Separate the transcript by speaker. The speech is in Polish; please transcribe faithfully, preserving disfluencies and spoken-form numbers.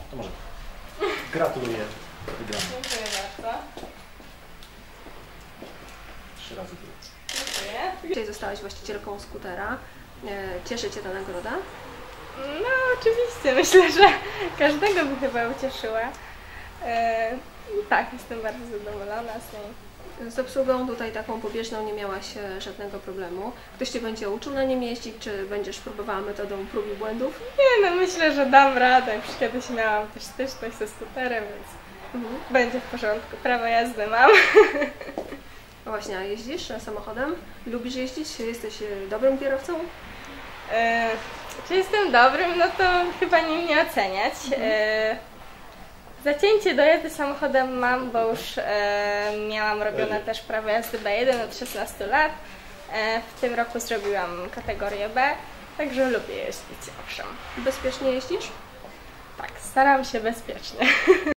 Speaker 1: to może. Gratuluję wygranej.
Speaker 2: Dziękuję bardzo.
Speaker 1: Trzy razy tyle.
Speaker 2: Dziękuję.
Speaker 3: Dzisiaj zostałaś właścicielką skutera. Cieszy Cię ta nagroda?
Speaker 2: No oczywiście, myślę, że każdego by chyba ucieszyła. E, tak, jestem bardzo zadowolona z niej.
Speaker 3: Z obsługą tutaj taką pobieżną nie miałaś e, żadnego problemu. Ktoś Cię będzie uczył na nim jeździć, czy będziesz próbowała metodą prób i błędów?
Speaker 2: Nie no, myślę, że dam radę. Już kiedyś miałam też styczność ze skuterem, więc
Speaker 3: Mhm.
Speaker 2: będzie w porządku. Prawo jazdy mam.
Speaker 3: No właśnie, a jeździsz samochodem? Lubisz jeździć? Jesteś e, dobrym kierowcą?
Speaker 2: E, czy jestem dobrym? No to chyba nie mnie oceniać. E, zacięcie do jazdy samochodem mam, bo już e, miałam robione też prawo jazdy B jeden od szesnastu lat. E, w tym roku zrobiłam kategorię B, także lubię jeździć, owszem.
Speaker 3: Bezpiecznie jeździsz?
Speaker 2: Tak, staram się bezpiecznie.